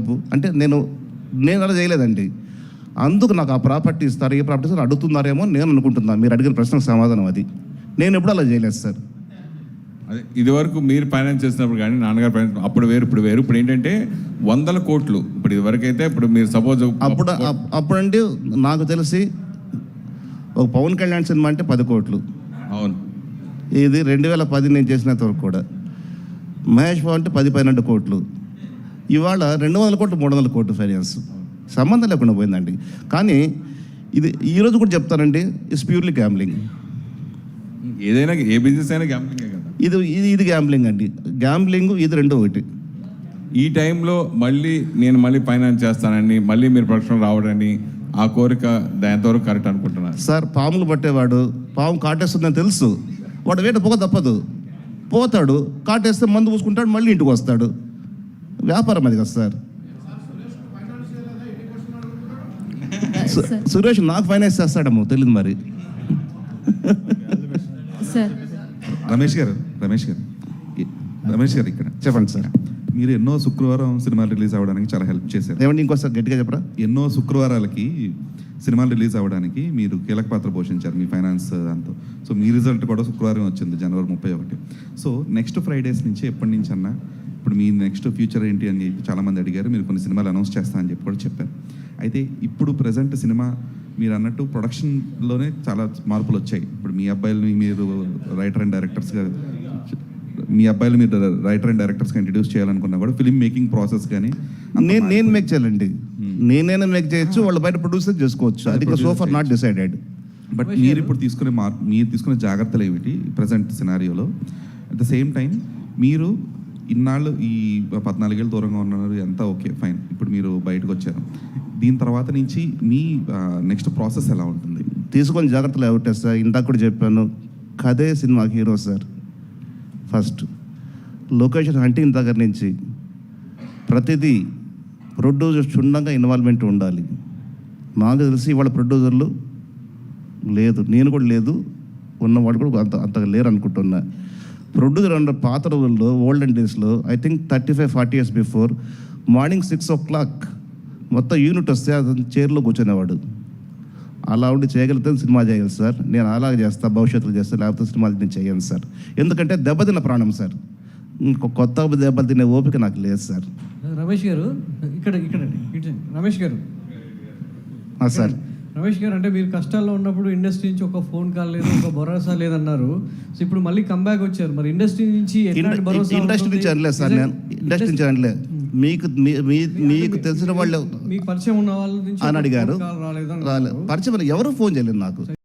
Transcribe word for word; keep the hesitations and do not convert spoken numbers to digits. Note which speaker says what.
Speaker 1: డబ్బు అంటే నేను నేను అలా చేయలేదండి. అందుకు నాకు ఆ ప్రాపర్టీ ఇస్తారు, ఏ ప్రాపర్టీ ఇస్తారు అడుగుతున్నారేమో నేను అనుకుంటున్నాను. మీరు అడిగిన ప్రశ్నకు సమాధానం అది. నేను ఎప్పుడు అలా చేయలేదు సార్.
Speaker 2: అదే ఇదివరకు మీరు ఫైనాన్స్ చేసినప్పుడు కానీ నాన్నగారు ఫైనాన్స్ అప్పుడు వేరు ఇప్పుడు వేరు. ఇప్పుడు ఏంటంటే వందల కోట్లు. ఇప్పుడు ఇదివరకు అయితే ఇప్పుడు మీరు సపోజ్
Speaker 1: అప్పుడు అప్పుడంటే నాకు తెలిసి ఒక పవన్ కళ్యాణ్ సినిమా అంటే పది కోట్లు.
Speaker 2: అవును,
Speaker 1: ఇది రెండు వేల పది నేను చేసినంత వరకు కూడా. మహేష్ బాబు అంటే పది పన్నెండు కోట్లు. ఇవాళ రెండు వందల కోట్లు మూడు వందల కోట్లు ఫైనాన్స్ సంబంధం లేకుండా పోయిందండి. కానీ ఇది ఈరోజు కూడా చెప్తానండి, ఇట్స్ ప్యూర్లీ గ్యాంబ్లింగ్.
Speaker 2: ఏదైనా ఏ బిజినెస్ అయినా గ్యాంబ్లింగే కదా.
Speaker 1: ఇది ఇది ఇది గ్యాంబ్లింగ్ అండి. గ్యాంబ్లింగ్ ఇది రెండు ఒకటి.
Speaker 2: ఈ టైంలో మళ్ళీ నేను మళ్ళీ ఫైనాన్స్ చేస్తానని మళ్ళీ మీరు ప్రొడక్షన్ రావడని ఆ కోరిక ఎంతవరకు కరెక్ట్ అనుకుంటున్నారు
Speaker 1: సార్? పాములు పట్టేవాడు పాము కాటేస్తుందని తెలుసు, వాడు వేట పొగ తప్పదు, పోతాడు, కాటేస్తే మందు పూసుకుంటాడు, మళ్ళీ ఇంటికి వస్తాడు. వ్యాపారం అది కదా సార్. సురేష్ నాకు ఫైనాన్స్ చేస్తాడేమో తెలియదు మరి.
Speaker 3: రమేష్ గారు రమేష్ గారు రమేష్ గారు ఇక్కడ
Speaker 1: చెప్పండి సార్.
Speaker 3: మీరు ఎన్నో శుక్రవారం సినిమాలు రిలీజ్ అవ్వడానికి చాలా హెల్ప్ చేశారు.
Speaker 1: ఏమండి ఇంకోసారి గట్టిగా చెప్పరా?
Speaker 3: ఎన్నో శుక్రవారాలకి సినిమాలు రిలీజ్ అవ్వడానికి మీరు కీలక పాత్ర పోషించారు మీ ఫైనాన్స్ దాంతో. సో మీ రిజల్ట్ కూడా శుక్రవారం వచ్చింది, జనవరి ముప్పై ఒకటి. సో నెక్స్ట్ ఫ్రైడేస్ నుంచి ఎప్పటి నుంచి అన్నా ఇప్పుడు మీ నెక్స్ట్ ఫ్యూచర్ ఏంటి అని చెప్పి చాలామంది అడిగారు. మీరు కొన్ని సినిమాలు అనౌన్స్ చేస్తానని చెప్పి కూడా చెప్పారు. అయితే ఇప్పుడు ప్రజెంట్ సినిమా మీరు అన్నట్టు ప్రొడక్షన్లోనే చాలా మార్పులు వచ్చాయి. ఇప్పుడు మీ అబ్బాయిలని మీరు రైటర్ అండ్ డైరెక్టర్స్గా మీ అబ్బాయిలు మీరు రైటర్ అండ్ డైరెక్టర్స్గా ఇంట్రడ్యూస్ చేయాలనుకున్నా కూడా ఫిల్మ్ మేకింగ్ ప్రాసెస్ కానీ
Speaker 1: నేను నేను మేక్ చేయాలండి. నేనైనా మేక్ చేయొచ్చు, వాళ్ళు బయట ప్రొడ్యూసర్ చేసుకోవచ్చు. అది so far not decided.
Speaker 3: But మీరు ఇప్పుడు తీసుకునే మార్ మీరు తీసుకునే జాగ్రత్తలు ఏమిటి ప్రజెంట్ సినారియోలో? అట్ ద సేమ్ టైం మీరు ఇన్నాళ్ళు ఈ పద్నాలుగేళ్ళు దూరంగా ఉన్నారు, ఎంత ఓకే ఫైన్. ఇప్పుడు మీరు బయటకు వచ్చారు, దీని తర్వాత నుంచి మీ నెక్స్ట్ ప్రాసెస్ ఎలా ఉంటుంది?
Speaker 1: తీసుకొని జాగ్రత్తలు ఏమిటే సార్? ఇందాక కూడా చెప్పాను, కథే సినిమాకి hero sir. First location hunting దగ్గర నుంచి ప్రతిదీ ప్రొడ్యూసర్ క్షుణ్ణంగా ఇన్వాల్వ్మెంట్ ఉండాలి. నాకు తెలిసి ఇవాళ ప్రొడ్యూసర్లు లేదు, నేను కూడా లేదు, ఉన్నవాడు కూడా అంత అంతగా లేరు అనుకుంటున్నా. ప్రొడ్యూసర్ అన్న పాత రోజుల్లో ఓల్డెన్ డేస్లో I think thirty five forty years before morning six o'clock మొత్తం యూనిట్ వస్తే అతను చైర్లో కూర్చునేవాడు. అలా ఉండి చేయగలిగితే సినిమా చేయాలి సార్. నేను అలాగే చేస్తా, భవిష్యత్తులో చేస్తా, లేకపోతే సినిమాలు నేను చేయను సార్. ఎందుకంటే దెబ్బతిన్న ప్రాణం సార్. ఇంకో కొత్త దెబ్బలు తినే ఓపిక నాకు లేదు సార్.
Speaker 4: రమేష్ గారు ఇక్కడ ఇక్కడ రమేష్ గారు
Speaker 1: సార్
Speaker 4: రమేష్ గారు అంటే మీరు కష్టాల్లో ఉన్నప్పుడు ఇండస్ట్రీ నుంచి ఒక ఫోన్ కాల్ లేదు, ఒక భరోసా లేదన్నారు. సో ఇప్పుడు మళ్ళీ కంబ్యాక్ వచ్చారు, మరి ఇండస్ట్రీ నుంచి
Speaker 1: ఇండస్ట్రీ నుంచి అనలేదు సార్. నేను ఇండస్ట్రీ నుంచి అనలేదు. మీకు మీకు తెలిసిన వాళ్ళు
Speaker 4: మీకు పరిచయం ఉన్న వాళ్ళ నుంచి
Speaker 1: అని అడిగారు. రాలేదు పరిచయం ఎవరు ఫోన్ చేయలేదు నాకు.